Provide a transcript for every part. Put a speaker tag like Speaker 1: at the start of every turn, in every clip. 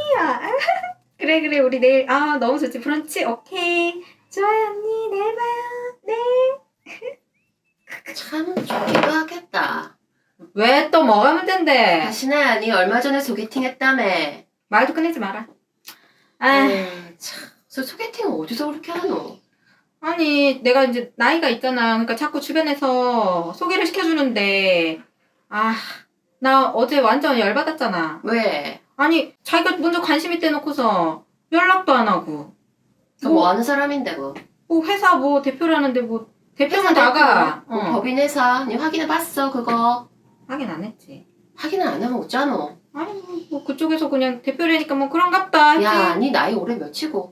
Speaker 1: 언니야. 그래 그래 우리 내일 너무 좋지. 브런치 오케이. 좋아요 언니 내일 봐요. 네.
Speaker 2: 참 좋기도 하겠다.
Speaker 1: 왜 또 뭐가 문제인데?
Speaker 2: 다시나야, 니 얼마 전에 소개팅 했다며.
Speaker 1: 말도 꺼내지 마라.
Speaker 2: 참, 저 소개팅은 어디서 그렇게 하노?
Speaker 1: 아니 내가 이제 나이가 있잖아. 그러니까 자꾸 주변에서 소개를 시켜주는데 나 어제 완전 열받았잖아.
Speaker 2: 왜?
Speaker 1: 아니 자기가 먼저 관심 있대 놓고서 연락도 안 하고
Speaker 2: 뭐 하는 사람인데 뭐?
Speaker 1: 뭐 회사 뭐 대표라는데 뭐 대표는 나가.
Speaker 2: 법인 회사. 니 확인해봤어 그거?
Speaker 1: 확인 안 했지.
Speaker 2: 확인을 안 하면 어쩌노?
Speaker 1: 아니 뭐 그쪽에서 그냥 대표라니까 뭐 그런갑다 했지.
Speaker 2: 야, 니 나이 올해 몇이고?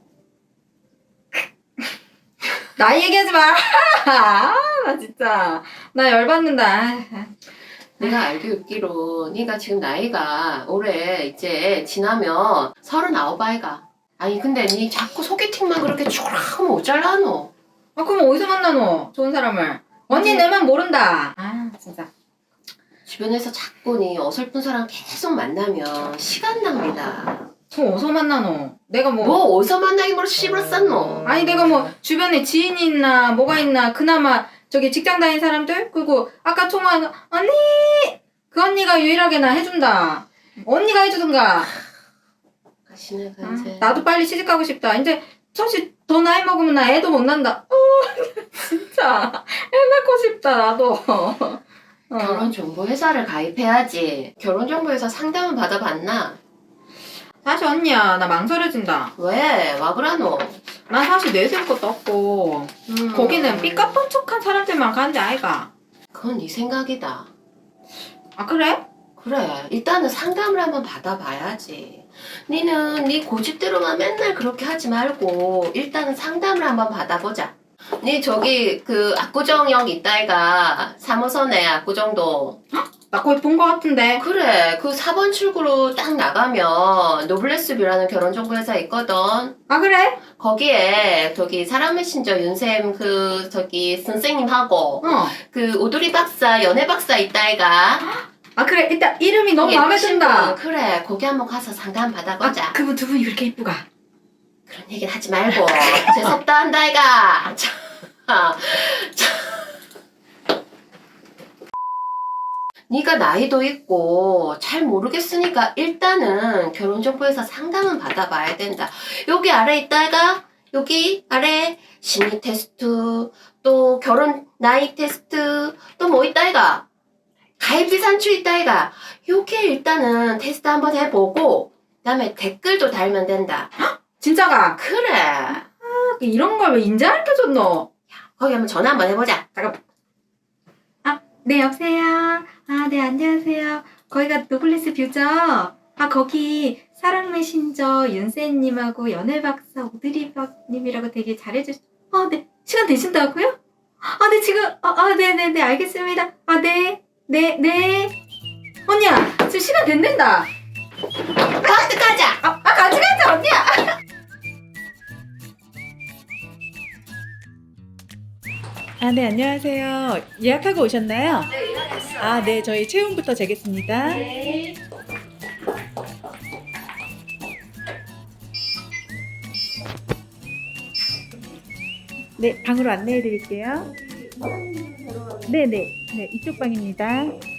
Speaker 1: 나이 얘기하지 마. 나 진짜 나 열받는다.
Speaker 2: 내가 알고 있기로 니가 지금 나이가 올해 이제 지나면 39 아이가. 아니 근데 니 자꾸 소개팅만 그렇게 쭈라하면 어쩌라노?
Speaker 1: 그럼 어디서 만나노? 좋은 사람을. 언니 내만 모른다. 진짜.
Speaker 2: 주변에서 자꾸 니 어설픈 사람 계속 만나면 시간 낭비다.
Speaker 1: 그럼 어디서 만나노? 내가
Speaker 2: 뭐 어디서 만나기 뭐로 씨부러 쌌노?
Speaker 1: 아니 내가 뭐 주변에 지인이 있나 뭐가 있나 그나마 저기 직장 다닌 사람들 그리고 아까 통화한 언니 그 언니가 유일하게 나 해준다. 언니가 해주든가.
Speaker 2: 가시네 간세.
Speaker 1: 나도 빨리 시집 가고 싶다. 이제 사실 더 나이 먹으면 나 애도 못 난다. 진짜 애 낳고 싶다 나도.
Speaker 2: 결혼정보회사를 가입해야지. 결혼정보회사 상담은 받아봤나?
Speaker 1: 사실 언니야 나 망설여진다.
Speaker 2: 왜? 와 그라노?
Speaker 1: 난 사실 내세울 것도 없고 거기는 삐까뻔쩍한 사람들만 가는데 아이가.
Speaker 2: 그건 네 생각이다.
Speaker 1: 그래?
Speaker 2: 그래, 일단은 상담을 한번 받아봐야지. 니는 네 고집대로만 맨날 그렇게 하지 말고 일단은 상담을 한번 받아보자. 니 저기 그 압구정역 있다이가 3호선에 압구정도.
Speaker 1: 나 거기 본 거 같은데.
Speaker 2: 그래, 그 4번 출구로 딱 나가면 노블레스뷰라는 결혼정보회사 있거든.
Speaker 1: 그래?
Speaker 2: 거기에 저기 사람 메신저 윤쌤 그 저기 선생님하고 그 오두리 박사 연애 박사 있다이가.
Speaker 1: 그래 일단 이름이 너무 마음에 든다.
Speaker 2: 그래, 거기 한번 가서 상담 받아보자.
Speaker 1: 그분 두 분이 그렇게 이쁘가.
Speaker 2: 그런 얘기는 하지 말고 재수없다 한다이가. 네가 나이도 있고 잘 모르겠으니까 일단은 결혼정보회사 상담은 받아봐야 된다. 여기 아래 있다가 여기 아래 심리 테스트 또 결혼 나이 테스트 또 뭐 있다이가 가입비 산출 있다이가 요게 일단은 테스트 한번 해보고 그다음에 댓글도 달면 된다.
Speaker 1: 진짜가?
Speaker 2: 그래.
Speaker 1: 이런 걸 왜 인제 알려줬노?
Speaker 2: 거기 한번 전화 한번 해보자.
Speaker 1: 잠깐만. 네 여보세요. 네 안녕하세요. 거기가 노블레스 뷰죠? 거기 사랑 메신저 윤세님하고 연애 박사 오드리 박님이라고 되게 잘해주시. 네 시간 되신다고요? 네 지금 네네네 알겠습니다. 네. 언니야 지금 시간 된댄다.
Speaker 2: 같이 가자.
Speaker 1: 같이 가자 언니야.
Speaker 3: 네, 안녕하세요. 예약하고 오셨나요?
Speaker 2: 네, 예약했어.
Speaker 3: 네, 저희 체온부터 재겠습니다.
Speaker 2: 네.
Speaker 3: 네, 방으로 안내해 드릴게요. 네, 이쪽 방입니다.